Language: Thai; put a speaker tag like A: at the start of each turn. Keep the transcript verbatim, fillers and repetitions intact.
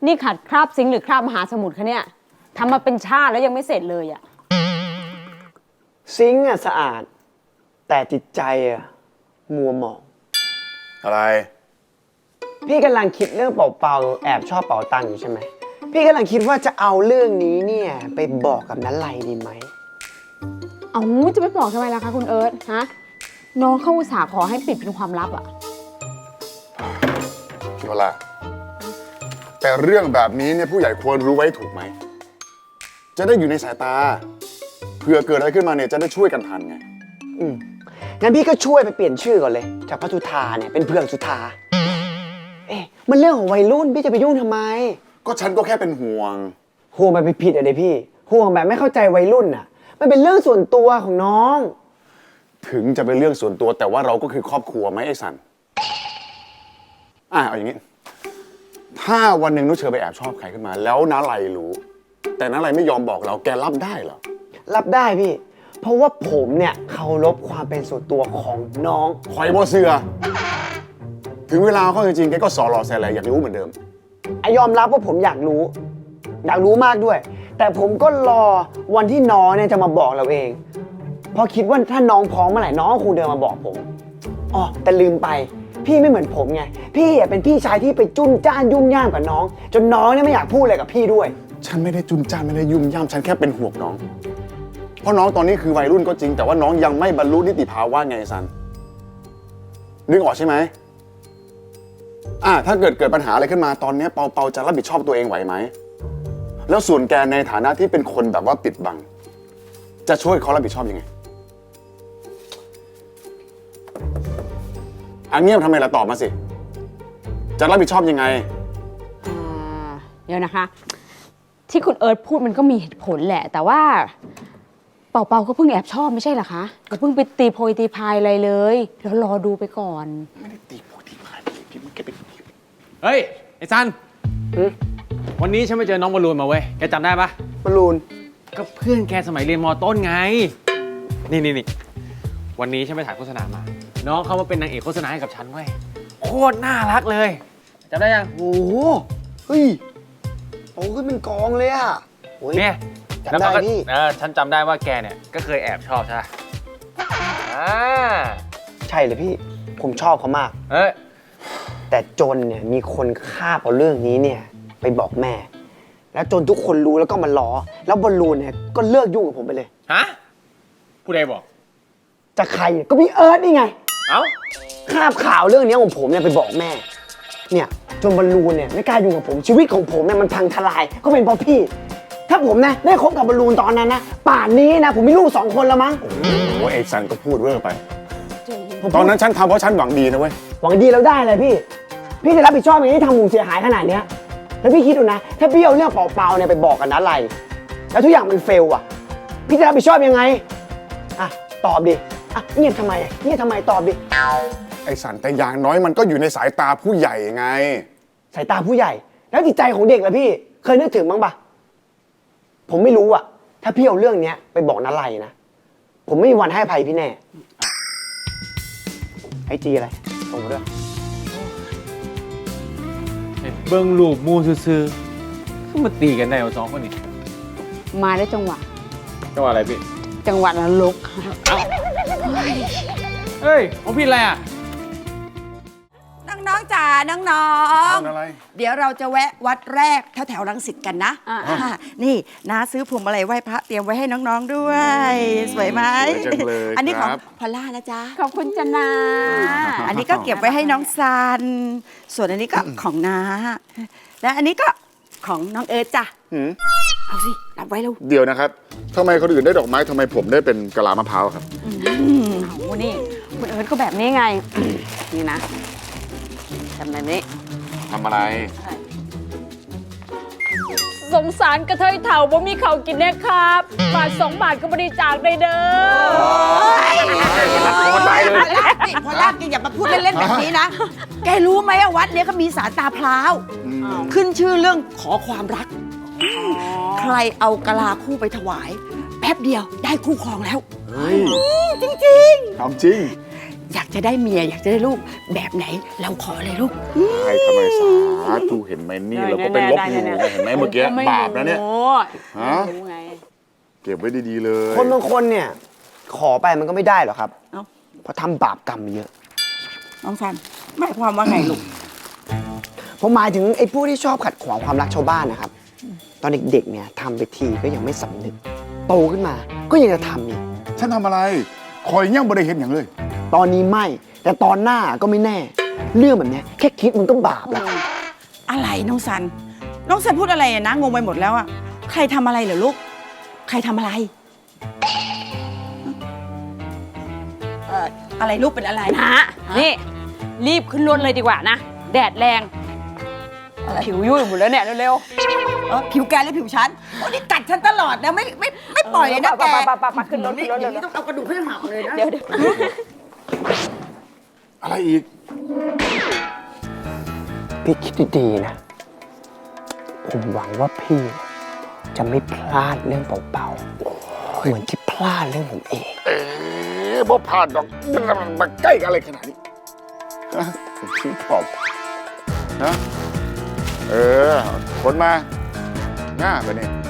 A: นี่ขัดคราบซิงค์หรือคราบมหาสมุทรคะเนี่ยทำมาเป็นชาติแล้วยังไม่เสร็จเลยอะ
B: ซิงค์อะสะอาดแต่จิตใจอะมัวหมอง
C: อะไร
B: พี่กำลังคิดเรื่องเป่าๆแอบชอบเป่าตังอยู่ใช่ไหมพี่กำลังคิดว่าจะเอาเรื่องนี้เนี่ยไปบอกกับนันไลดีไหม
A: เอาจะไปบอกทำไมล่ะคะคุณเอิร์ธฮะน้องเข้าอุตส่าห์ขอให้ปิดเป็นความลับอะ
C: พี่พลาแต่เรื่องแบบนี้เนี่ยผู้ใหญ่ควรรู้ไว้ถูกไหมจะได้อยู่ในสายตาเผื่อเกิดอะไรขึ้นมาเนี่ยจะได้ช่วยกันทันไง
B: อืมงั้นพี่ก็ช่วยไปเปลี่ยนชื่อก่อนเลยจากพระสุธาเนี่ยเป็นเพื่องสุธาเอ๊ะมันเรื่องของวัยรุ่นพี่จะไปยุ่งทำไม
C: ก็ฉันก็แค่เป็นห่วง
B: ห่วงแบบผิดๆอะเดี๋ยวพี่ห่วงแบบไม่เข้าใจวัยรุ่นอะมันเป็นเรื่องส่วนตัวของน้อง
C: ถึงจะเป็นเรื่องส่วนตัวแต่ว่าเราก็คือครอบครัวไหมไอ้สันอ่ะเอาอย่างนี้ถ้าวันหนึ่งนุชเชอไปแอบชอบใครขึ้นมาแล้วน้าไลรู้แต่น้าไลไม่ยอมบอกเราแกรับได้เหรอ
B: รับได้พี่เพราะว่าผมเนี่ยเคารพความเป็นส่วนตัวของน้อง
C: คอยบอเสือถึงเวลาเขาจริงๆแกก็สอหล่อแสแลอยากรู้เหมือนเดิม
B: ไอยอมรับว่าผมอยากรู้อยากรู้มากด้วยแต่ผมก็รอวันที่น้องเนี่ยจะมาบอกเราเองเพราะคิดว่าถ้าน้องพร้อมเมื่อไหร่น้องคงเดินมาบอกผมอ๋อแต่ลืมไปพี่ไม่เหมือนผมไงพี่เป็นพี่ชายที่ไปจุ้นจ้านยุ่งย่ามกับน้องจนน้องเนี่ยไม่อยากพูดอะไรกับพี่ด้วย
C: ฉันไม่ได้จุนจ้านไม่ได้ยุ่งย่ามฉันแค่เป็นห่วงน้องเพราะน้องตอนนี้คือวัยรุ่นก็จริงแต่ว่าน้องยังไม่บรรลุนิติภาวะไงซันนึกออกใช่ไหมอ่ะถ้าเกิดเกิดปัญหาอะไรขึ้นมาตอนนี้เปาเปาจะรับผิดชอบตัวเองไหวไหมแล้วส่วนแกในฐานะที่เป็นคนแบบว่าปิดบังจะช่วยเขารับผิดชอบยังไงอันเงียบทำไมล่ะตอบมาสิจะรับผิดชอบยังไง
A: อ่าเดี๋ยวนะคะที่คุณเอิร์ธพูดมันก็มีเหตุผลแหละแต่ว่าเป่าเป่าก็เพิ่งแอบชอบไม่ใช่เหรอคะก็เพิ่งไปตีโพยตีพายอะไรเลยแล้วรอดูไปก่อน
C: ไม่ได้ตีโพยตีพายพี่มันแกเป็น
D: เฮ้ยไอ้ซันวันนี้ฉันไปเจอน้องบอลลูนมาเว้ยแกจำได้ปะ
B: บอลลูน
D: ก็เพื่อนแกสมัยเรียนม.ต้นไงนี่นี่นี่วันนี้ฉันไปถ่ายโฆษณามาน้องเขามาเป็นนางเอกโฆษณาให้กับฉันเว้ยโคตรน่ารักเลยจำได้ยัง
B: โอ้โหเฮ้ยโตขึ้นเป็นกองเลยอ่ะ
D: เนี่ย
B: จำได้พี่
D: เออฉันจำได้ว่าแกเนี่ยก็เคยแอบชอบใช่ไหมอ่า
B: ใช่เลยพี่ผมชอบเขามาก
D: เอ้ย
B: แต่จนเนี่ยมีคนคาบเอาเรื่องนี้เนี่ยไปบอกแม่แล้วจนทุกคนรู้แล้วก็มาล้อแล้วบอลลูนเนี่ยก็เลิกยุ่งกับผมไปเลย
D: ฮะผู้ใดบอก
B: จะใครก็พี่เอิร์ธนี่ไง
D: เอ้า
B: คาบข่าวเรื่องนี้ของผมเนี่ยไปบอกแม่เนี่ยจนบอลลูนเนี่ยไม่กล้ายุ่งกับผมชีวิตของผมเนี่ยมันพังทลายก็เป็นเพราะพี่ถ้าผมนะได้คบกับบอลลูนตอนนั้นนะป่านนี้นะผมมีลูกสองคนแล้วมั้ง
C: โอ้เอกซันก็พูดเวอร์ไปตอนนั้นฉันทำเพราะฉันหวังดีนะเว้ย
B: หวังดีแล้วได้เลยพี่พี่จะรับผิดชอบอย่างที่ทำผมเสียหายขนาดเนี้ยแล้วพี่คิดดูนะถ้าพี่เอาเรื่องเปล่าๆเนี่ยไปบอกกันนะอะไรแล้วทุกอย่างมันเฟลอ่ะพี่จะรับผิดชอบยังไงอ่ะตอบดิอ่ะเงียบทำไมเงียบทำไมตอบดิ
C: ไอ้สันแต่อย่างน้อยมันก็อยู่ในสายตาผู้ใหญ่ไง
B: สายตาผู้ใหญ่แล้วจิตใจของเด็กล่ะพี่เคยนึกถึงบ้างปะผมไม่รู้อ่ะถ้าพี่เอาเรื่องเนี้ยไปบอกนะไรนะผมไม่มีวันให้อภัยพี่แน่ไอจีอะไรส่งมาด้วย
D: เบิ้งลูกมูซื่อๆขึ้นมาตีกันได้เอาสองคนนี้
A: มาได้จังหวะ
D: จังหวะอะไรพี่
A: จังหวะนรก
D: เฮ้ยของพี่อะไรอ่ะ
E: น้องๆจ๋าน้องๆเดี๋ยวเราจะแวะวัดแรกแถวแถวรังสิตกันนะนี่น้าซื้อพวงมาลัยไหว้พระเตรียมไว้ให้น้องๆด้วยสวยไหมอันนี้ของพอลล่านะจ๊ะ
A: ขอบคุณจ้านา
E: อันนี้ก็เก็บไว้ให้น้องซันส่วนอันนี้ก็ของน้าและอันนี้ก็ของน้องเอิร์ธจ้ะเอาสิรับไว้แล้ว
C: เดี๋ยวนะครับทำไมคนอื่นได้ดอกไม้ทำไมผมได้เป็นกะลามะพร้าวครับ
A: โอ้นี่คุณเอิร์ธก็แบบนี้ไงนี่นะทำแบบนี้
C: ทำอะไร
A: สงสารกระเทยเถ่าบ่มีเขากินแน่ครับบาทสองบาทก็บริจาคได้เด้อ
E: พอลล่าแกอย่ามาพูดเล่นๆแบบนี้นะแกรู้ไหมว่าวัดเนี้ยก็มีศาลตาพร้าวขึ้นชื่อเรื่องขอความรักใครเอากะลาคู่ไปถวายแป๊บเดียวได้คู่ครองแล้วจริงจริง
C: ทำจริง
E: อยากจะได้เมียอยากจะได้ลูกแบบไหนเราขอเลยลูก
C: ให้ทำไมสาธุเห็นไหมนี่เราก็เป็นลบอยู่ไงเห็นไหมเมื่อกี้บาปนะเนี่ย ฮะ
A: ไม่รู้ไง
C: เก็บไว้ดีๆเลย
B: คนบางคนเนี่ย ขอไปมันก็ไม่ได้หรอกครับ
E: เอ้า
B: เพราะทำบาปกรรมเยอะ
E: น้องซันหมายความว่าไงลูก
B: ผมหมายถึงไอ้ผู้ที่ชอบขัดขวางความรักชาวบ้านนะครับ ตอนเด็กๆเนี่ยทำไปทีก็ยังไม่สำนึก โตขึ้นมาก็ยังจะทำอีก
C: ฉันทำอะไร คอยยังไม่ได้เห็นอย่างเลย
B: ตอนนี้ไม่ แต่ตอนหน้าก็ไม่แน่ เรื่องแบบเนี้ยแค่คิดมันก็บาปแล้ว
E: อะไรน้องซัน น้องซันพูดอะไรอะนะงงไปหมดแล้วอะใครทำอะไรเหรอลูก ใครทำอะไรเอ่ออะไรลูกเป็นอะไร
A: นะนี่ รีบขึ้นรถเลยดีกว่านะ แดดแรง
E: อะไร
A: ผิวยุ่ยหมดแล้วเนี่ยเร็ว
E: เออผิวแกหรือผิวฉันโอ้นี่กัดฉันตลอดนะไม่ไม่ไม่ปล่อยเลยนะแก
A: ไปไปไปไปขึ้นรถ
E: นี่
A: ขึ้นรถ
E: อย่าง
A: เร็
E: นี้
A: ว
E: ต้องเอากระดูกให้หักเลยนะ
A: เดี๋ยวเดี๋ยว
C: อะไรอีก
B: พี่คิดดีๆนะ ผมหวังว่าพี่จะไม่พลาดเรื่องเบาๆเหมือนที่พลาดเรื่องผมเอง
C: เอ๊ะบ่ผ่านดอกมันมาใกล้กันอะไรขนาดนี้ฮะชิ้นขอบนะเออคนมาง่าไปเนี่ย